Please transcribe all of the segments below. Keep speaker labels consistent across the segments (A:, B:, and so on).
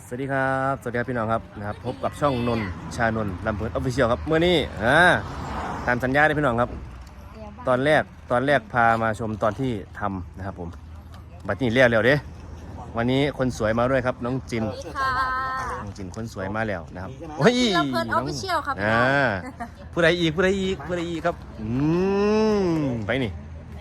A: สวัสดีครับสวัสดีครับพี่น้องครับนะครับพบกับช่องนนชานนลำเพลินออฟฟิเชียลครับเมื่อนี้ตามสัญญาได้พี่น้องครับตอนแรกพามาชมตอนที่ทำนะครับผมบัดนี้เรียกเร็วเด้วันนี้คนสวยมาด้วยครับน้องจิน
B: สวัสดีค่ะ
A: น้องจินคนสวยมาแล้วนะครับ
B: ลำเพลินออฟฟิเชียลครับ
A: ผู้ใดอีกครับไปนี่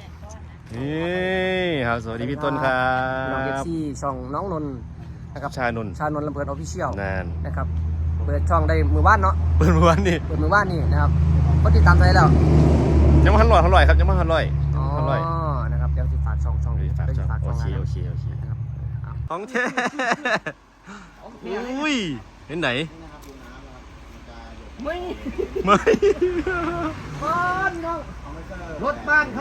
A: ครับสวัสดีพี่ต้นครั
C: น้องเอฟ
A: บ
C: ซีช่องน้องนนท์นะครับ
A: ชานน
C: ชานนท์ลำเพลินออฟฟิเชียล
A: นาน
C: นะครับเปิดช่องได้มือว่านเนาะ
A: เปิดวันนี้
C: เปิดมือว่านนี่นะครับคนติดตามใจแล้ว
A: ยังไม่ทันร่อยครับยังไม่ทันร่อย
C: อ๋อนะครับเดี๋ยวจะฝากช่อง
A: ฝาก
C: เดี๋ยว
A: ช่
C: จะ
A: อง
C: ฝาก
A: โอ
C: ช่อง
A: เค
C: นะ
A: โอเค
C: นะครับเอา
A: ของแท้อุ้ยเห็นไหน
C: ไม่
A: ไม่
C: บ้านน้องรถบ้านครับ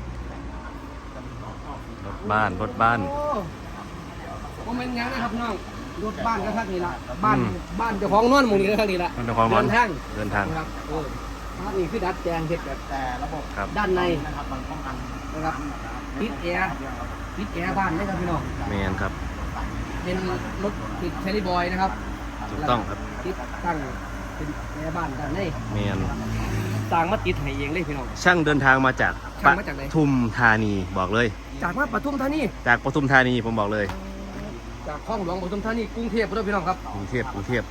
A: รถบ้าน
C: โอ้ผมเป็นยังนะครับน้องรถบ้านก็ทักนี่ละบ้านเจ้าของนอนหมู่นี่ก็ทักนี่ละ
A: มันความร้อน
C: เดินทาง
A: ครับ
C: ภาพนี้คือดัดแปลงเฮ็ดแบบ
D: แต่ระบบ
A: ครับ
C: ด้านใน
D: นะครับมันป้องกัน
C: นะครับติดแอร์บ้านนะครับพี่น้อง
A: แมนครับ
C: เป็นรถติดแคริบอยนะครับ
A: ถูกต้องครับ
C: ติดตั้งเป็นแอร์บ้านด้านใน
A: แมน
C: สร้างมาติดให้เองเลยพี่น้อง
A: ช่างเดินทางมาจาก
C: ช่างมาจากไหน
A: ปทุมธานีบอกเลย
C: จากมาปทุมธานี
A: จากปทุมธานีผมบอกเลย
C: จากคลองหลวงปทุมธานีกรุงเทพด้วยพี่น้องครับ
A: กรุงเทพ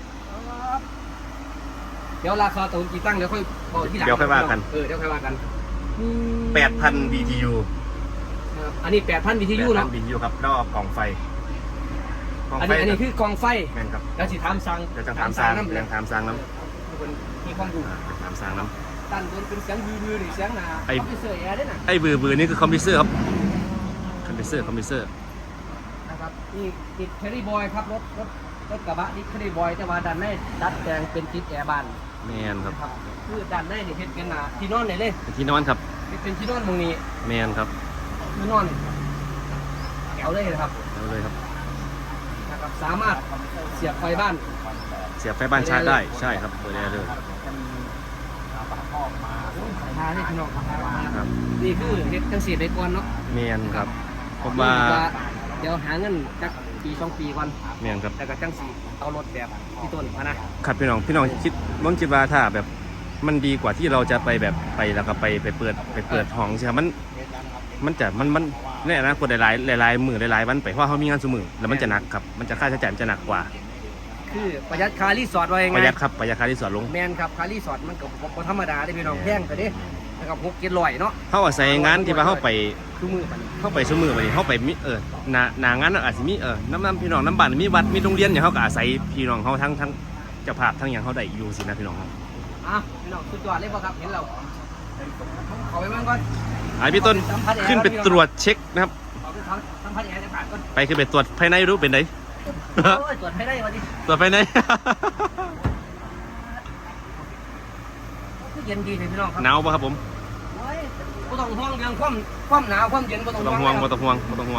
C: เดี๋ยวราคาตูนกี่ตั้งเดี๋ยวค่อยบอกที่หลัง
A: เดี๋ยวค่อยว่ากัน
C: เดี๋ยวค่อยว่ากัน
A: 8,000 BTU
C: นะครับอันนี้8,000 BTU เนาะ
A: 8,000 BTU ครับแล้วก็กล่องไฟ
C: อันนี้คือกองไฟ
A: แมนครับ
C: แล้วสิถามสั่ง
A: เดี๋ยวจะถามสร้าง
C: น้ำ
A: เรื่องถามสร้างน้
C: ทุกคนมีความรู้
A: ำถามสร้างน้
C: ตั้งบนเป็นเสียงบือหรือเสียงหนา
A: ไอ้
C: คอมพิวเตอร์แอร์ด้วยนะ
A: ำไอ้บือนี่คือคอมพิวเซอร์ครับคอมพิวเซอร์
C: นะครับนี่ติดแคริบอยครับรถกระบะนี่แคริบอยแต่ว่าด้านในดัดแปลงเป็นติดแอร์บ้าน
A: แมนครับ
C: ครับคือด้านในนี่เฮ็ดเป็นที่นอนเลย
A: ที่นอนครับ
C: เป็นที่นอนตรงนี้
A: แมนครับ
C: ที่นอนแถวเลยนะครับ
A: เอาเลยครับ
C: นะครับสามารถเสียบไฟบ้าน
A: เสียบไฟบ้านชาร์จได้ใช่ครับเปิดได้เลย
C: พาให้พี่น้องพามา
A: ครับ
C: นี่คือเฮ็ดจังสีไปก่อนเนาะ
A: แมนครับผมว่า
C: เดี๋ยวหาเงินจักปี2 ปีก่อน
A: แมนครับ
C: แล้วก็จังสีเอารถแบบที่ต้นมานะครับ
A: พี่น้องคิดว่าถ้าแบบมันดีกว่าที่เราจะไปแบบไปแล้วก็ไปเปิดห้องใช่ไหมมันในอนาคตหลายมือหลายวันไปเพราะเขามีงานสมือแล้วมันจะหนักครับมันจะค่าใช้จ่ายมันจะหนักกว่า
C: คือประหยัดค่ารีสอร์ทไว้ยัง
A: ป
C: ไง
A: ระหยัดครับประหยัดค่าที่สอดลง
C: แมนครับค่ารีสอร์ทมันก็บ่ธรรมดาได้พี่น้องแพงแต่เด้นะครับ6-700เนาะ
A: เขาอาศัยงานที่ว่าเขาไป
C: คือมือมัน
A: เข้าไปสมือไปเข้าไปมีหนางานอาจจะมีน้ำพี่น้องน้ำบ้านมีวัดมีโรงเรียนอย่างเขาก็อาศัยพี่น้องเขาทั้งเจ้าภาพทั้งอย่างเขาได้อยู่สินะพี่น้องครับ
C: พี่น้องสุดยอดเลยบ่ครับเห็นเราขอไปเบิ่งก่อน
A: ไอพี่ต้นขึ้นไปตรวจเช็คนะครับ
C: ขอไปสัมภาษณ์แอร์ในผ่านก่อน
A: ไปขึ้นไปตรวจภายในรู้เป็นไง
C: โอ้ยตรวจให้ได้วันนี้
A: ตรวจภายใน
C: คือเย็นดีเลยพี่น้องครับ
A: หนาวป่ะครับผม
C: โอ้ยบ่ต้องห่วงเรื่องความหนาวความเย็นบ่ต้อง
A: ไม่ต้องห่วงไม่ต้องห่วงไม่ต้องห่วง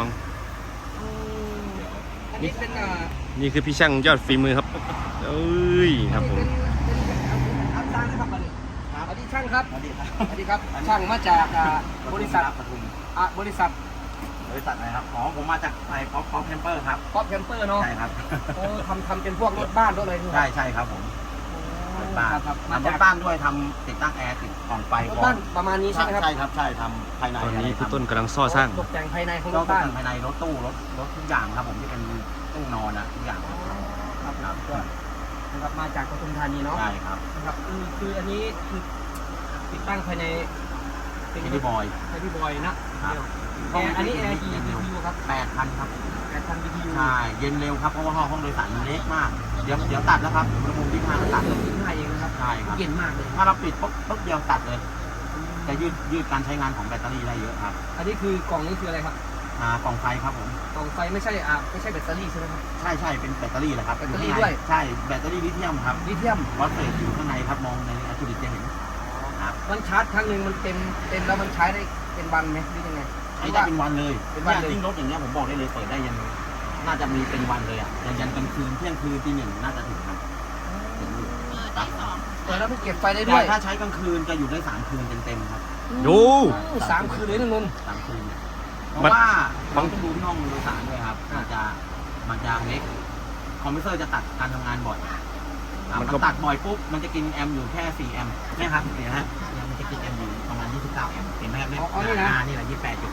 C: อันนี้เป็น
A: นี่คือพี่ช่างยอดฝีมือครับเอ้ยครับผม
C: อัพสร้างนะครับบัดนี้สวัสดีช่างครับ
D: สวัสดีครับ
C: สวัสดีครับช่างมาจากบริษัท
D: ปทุม
C: บริษัท
D: บริษัทอะไรครับอ๋อผมมาจากไอ้ป๊อปแคมเปอร์ครับ
C: ป๊อปแคมเปอร์เนาะ
D: ใช่ครับ
C: โอ้ทำเป็นพวกรถบ้านรถอะไรนี่
D: ใช่ครับผมรถบ้าน
C: ครับ
D: ทำรถบ้านด้วยทำติดตั้งแอร์ติดกล่องไฟ
C: รถบ้านประมาณนี้ใช่ไหมครับ
D: ใช่ครับใช่ทำภายใน
A: ตอนนี้
D: ะไร
A: พี่
D: ทำ
A: ต้นกำลังซ่อสร้าง
C: ตกแต่งภายในของร
D: ก็
C: ถ
D: บ้า
C: บ้าน น
D: ภายในรถตู้รถทุกอย่างครับผมที่เป็นตู้นอนทุกอย่างครับ
C: ครับนะครับมาจากปทุมธานีเนาะ
D: ใช่ครับ
C: นะครับคืออันนี้คือติดตั้งภายใน
D: เป็นที่บอย
C: ไอพี่บอยนะครับ แอร์อันนี้แอร์กี่ BTU ครับ
D: 8,000 ครับ
C: 8,000 BTU
D: ใช่เย็นเร็วครับเพราะว่าห้องโดยสารมันเล็กมาก เดี๋ยวตัดแล้วครับอุณหภูมิที่5ตัด
C: 25เองนะครับ
D: ใช่ครับ
C: เย็นมากเลย
D: ถ้าเราปิดปุ๊บเดียวตัดเลยจะยืดการใช้งานของแบตเตอรี่ได้เยอะครับ
C: อันนี้คือกล่องนี้คืออะไรครับ
D: กล่องไฟครับผม
C: กล่องไฟไม่ใช่แบตเตอรี่ใช่ไหมครับ
D: ใช่เป็นแบตเตอรี่แหละครับ
C: แบตเตอรี่
D: ข้างใน
C: ด้วย
D: ใช่แบตเตอรี่ลิเธียมครับ
C: ลิเธียม
D: วอตเฟสอยู่ข้างในครับมองในอะคูดิกจะเห็นครับ
C: มันชาร์จครั้งหนึ่งมันเต็มแล้วมันใช้ได้เป็นวันไหมหรือยังไง
D: ใช้ได้เป็นวันเลย
C: เป็นวันเลย
D: ยิ่งรถอย่างเงี้ยผมบอกได้เลยเปิดได้ยันน่าจะมีเป็นวันเลยอ่ะยันกลางคืนเที่ยงคืนตี 1น่าจะถึงครับถึงอยู่ครับ
C: เปิดแล้วมันเก็บไฟได้ด้วย
D: ถ้าใช้กลางคืนจะอยู่ได้3 คืนเต็มๆครับ
A: ดู
C: 3 คืนเลยนะนนท์
D: 3 คืนเพราะว่าต้องดูที่ห้องโดยสารด้วยครับมันจะเมคคอมเพรสเซอร์จะตัดการทำงานบ่อยมันตัดบ่อยปุ๊บมันจะกินแอมป์อยู่แค่4แอมป์เนี่ยครับเนี่ยฮะมันจะกินแอมป์อยู่ประมาณ29แอมป์เห็นไหมครับเนี่ยนี่แหละ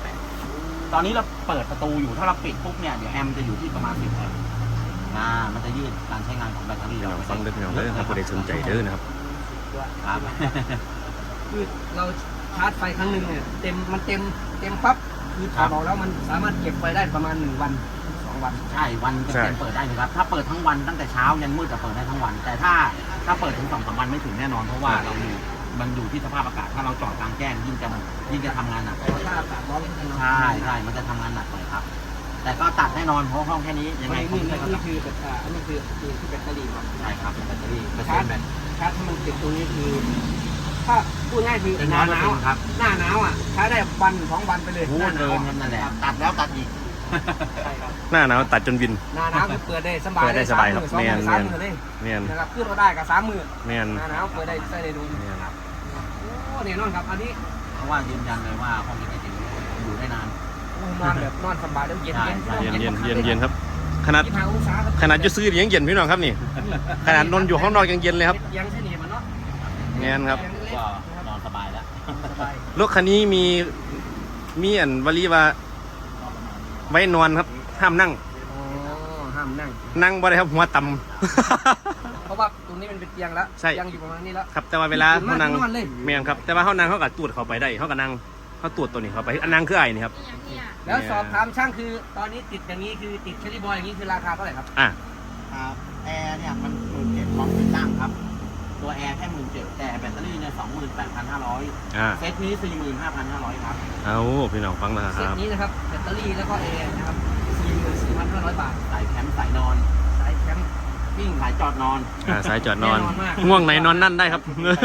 D: 28.8ตอนนี้เราเปิดประตูอยู่ถ้าเราปิดปุ๊บเนี่ยเดี๋ยวแอมป์จะอยู่ที่ประมาณ10แอมป์มันจะยืดการใช้งานของแบตเตอรี่
A: พี่น้
D: เรา
A: องฟังเด้อพี่น้องเด้อครับผู้ใดสนใจเด้อนะครับ
D: ครับ
C: คือเราชาร์จไฟครั้งหนึ่งเนี่ยมันเต็มปั๊บคือถอดออกแล้วมันสามารถเก็บไฟได้ประมาณ1 วัน 2 วัน
D: ใช่วันเต็มเปิดได้เลยครับถ้าเปิดทั้งวันตั้งแต่เช้ายันมืดจะเปิดได้ทั้งวัน แต่ถ้าเปิดถึง2-3 วันไม่ถึงแน่นอนเพราะว่ามันอยู่ที่สภาพอากาศถ้าเราจอดกลางแจ้งยิ่งจะทำงานหนัก
C: เพราะถ้าอากาศร้อน
D: ใช่มันจะทำงานหนักเลยครับ แต่ก็ตัดแน่นอนเพราะห้องแค่นี้ยังไง
C: นี่คืออันนี้คือที่แบตเตอรี่ครับ
D: ใช่ครับแบตเตอรี่เปอร์
C: ชา
D: เซ็
C: ร์
D: น
C: จ
D: ต์แบต
C: ชาร์จให้มันติดตรงนี้คือถ้าพูดง่ายคือ
D: เป็น
C: หน้าหนาว
D: 100%ครับ
C: หน้าหนาวอ่ะใช้ได้วัน 2 วันไปเลย
D: พูดเกินนั่นแหละตัดแล้วตัดอีก
C: ใช่ครับ
A: หน้าหนาวตัดจนวิน
C: หน้าหนาวคือเปิดได้สบาย
A: เปิดได้สบายครับ
C: 3 มื้อ 2 มื้อ 3 มื้อเลย
A: แม่น
C: นะครับขึ้นเราได้กับ3 มื้อ
A: แม่น
C: หน้าหนาวเปิดได้ใส่ได้ดู
A: แม่น
C: โอ้เนี่ยนอนครับอันนี้
D: เพราะว่ายืนยันเลยว่าห้องนี้จริงๆอยู่ได้นาน
C: นอนแบบนอนสบายแล้วเย็น
D: ใช่
A: เย็นครับขนาด
C: 25 องศาครับ
A: ขนาดอยู่ซื้อยังเย็นพี่น้องครับนี่ขนาดนอนอยู่ห้องนอนยังเย็นเลยครับ
C: ยังใช่นี่มันเนาะ
A: แม่นครับ
D: ก็นอนสบายแล้ว
C: สบาย
A: รถคันนี้มีอันวลีว่าไว้นอนครับห้ามนั่ง
C: อ๋อห้ามนั่ง
A: นั่งบ่ได้ครับหัวต่
C: เพราะว่าตรงนี้มันเป็นเตียงแล้ว
A: ใช่
C: เตียงอยู่ประมาณนี้แล้ว
A: ำ ครับแต่ว่าเวลาเขานั่ง
C: นอนเลย
A: แม่นครับแต่ว่าเขานั่งเขาก็ตูดเข้าไปได้เขาก็นั่งเขาตูดตัวนี้เข้าไปอันนั่งคือไอ้นี่ครับ
C: แล้วสอบถามช่างคือตอนนี้ติดอย่างนี้คือติดเชอรี่บอยอย่างนี้คือราคาเท่าไหร่ครับ
A: อ่ะ
D: ครับแอร์เนี่ยมัน17,000พร้อมติดตั้งครับ ตัวแอร์แค่17,000แต่แบตเตอรี่เนี่ย28,500
A: อ่ะ
D: เซตนี้ 45,500 ครับ
A: เอาพี่น้องฟังนะค
C: เซต
A: รับ
C: นี้นะครับแบตเตอรี่แล้วก็แอร์นะครับ44,500 บาท
D: สายแคมป์สายนอน
C: สายแคมปิ้ง
D: สายจอดนอน
A: สายจอดนอน
C: แน่นอนมาก
A: ง่วงไหนนอนนั่นได้ครับ
C: โอ้โห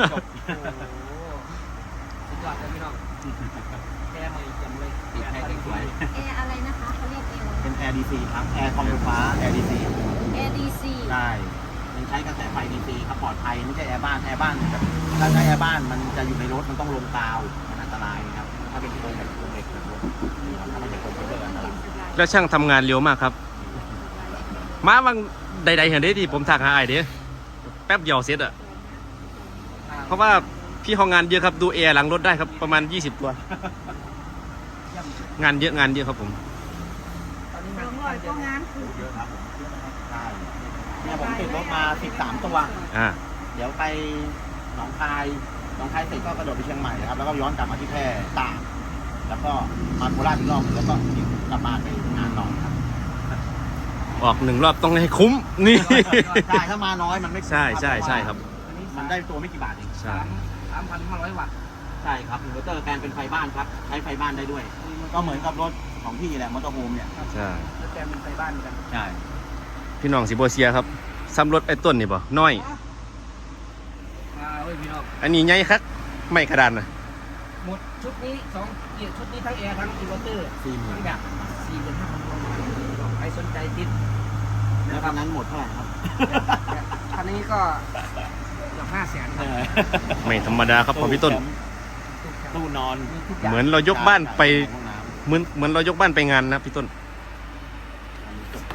C: สุดยอดเลยพี่น้องแอร์ใหม่เยี่ยมเลย
D: ติดแอร์สวย
B: แอร์อะไรนะคะเขาเรียกแอร์
D: เป็นแอร์ DC ครับ แอร์คอมไฟฟ้า แอร์ DC
B: แอร์ DC
D: ใช่มันใช้กระแสไฟ DC ครับปลอดภัยไม่ใช่แอร์บ้านถ้าใช้แอร์บ้านมันจะอยู่ในรถมันต้องลงกาวมันอันตรายครับถ้าเป็นโครงแบบโครงเหล็กแบบรถถ้าไม่ใช่โครงเบอร์อันตราย
A: แล้วช่างทำงานเร็วมากครับ มาบางใดๆเห็นได้ที่ผมทักหาไอ้เด้แป๊บเดียวเสร็จอะเพราะว่าพี่เขางานเยอะครับดูแอร์หลังรถได้ครับประมาณ20 ตัว งานเยอะครับผม
C: ตอนนี้
B: สองร้อยก็งานคือ
D: เยอะครับผมใช่เนี่ยผมติดรถมา13 ตัว
A: อ่า
D: เดี๋ยวไปหนองคายเสร็จก็กระโดดไปเชียงใหม่นะครับ แล้วก็ย้อนกลับมาที่แพร่ตากแล้วก็มาโคราชอีกรอบแล้วก็กลับบ้านไปงานนอนครับ
A: ออก1 รอบต้องให้คุ้มนี่
D: ใช่ถ้ามาน้อยมันไม่คุ้ม
A: ใช่ครับ
C: อันนี้
D: มันได้ตัวไม่กี่บาทเอง
A: ใช่
C: 3,500 วัตต์
D: ใช่ครับอินเวอร์เตอร์แกนเป็นไฟบ้านครับใช้ไฟบ้านได้ด้วย ก็เหมือนกับรถของพี่แหละมอเตอร์โฮมเนี่ย
A: ใช่
C: แล้วแกเป็นไฟบ้านกัน
D: ใช่
A: พี่น้องสิบเซียครับซ้ำรถไอ้ต้นนี่บ่น้อย
C: เฮ้ยพี่น้อง
A: อันนี้ใหญ่คักไม่กระดานนะ
C: หมดชุดนี้ชุดนี้ทั้งแอร์ทั้งอินเวอร์เตอร์
D: 40,000
C: ทั้งแบบ45,000ใครสนใจติด
D: แล้วคันนั้นหมดเท่าไหร่ครับ
C: คันนี้ก็เกือบ500,000ครับ
A: ไม่ธรรมดาครับของพี่ต้น
D: ตู้นอน
C: มีทุกอย่าง
A: เหมือนเรายกบ้านไป
D: ห้องน้ำ
A: เหมือนเรายกบ้านไปงานนะพี่ต้น
D: อันนี้จบ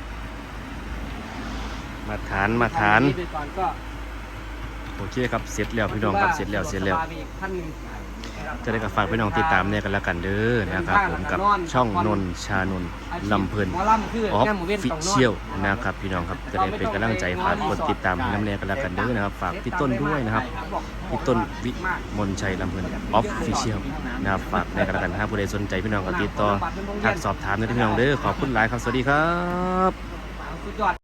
A: มาฐาน
C: คันี้ไปก่อนก็
A: โอเคครับเสร็จแล้วพี่น้องครับเสร็จแล้ว
C: ท่านหนึ่ง
A: จะได้กับฝากพี่น้องติดตามเนี่ยกันแล้วกันเด้อนะครับผมกับช่องนนท์ชานนท์ลำเพลิน
C: หมอลำคือ
A: ออฟ
C: แง่หมูเว้น
A: ฟิ
C: ต้องนอน
A: เชียลนะครับพี่น้องครับจะได้เป็นกำลังใจฝากกดติดตามน้ำแนกันแล้วกันเด้อนะครับฝากพี่ต้นด้วยนะครับพี่ต้นวิมลชัยลำเพลินออฟฟิเชียลนะครับฝากในกันแล้วกันถ้าผู้ใดสนใจพี่น้องก็ติดต่อทักสอบถามได้ที่พี่น้องเด้อขอบคุณหลายครับสวัสดีครับ
C: สุดยอด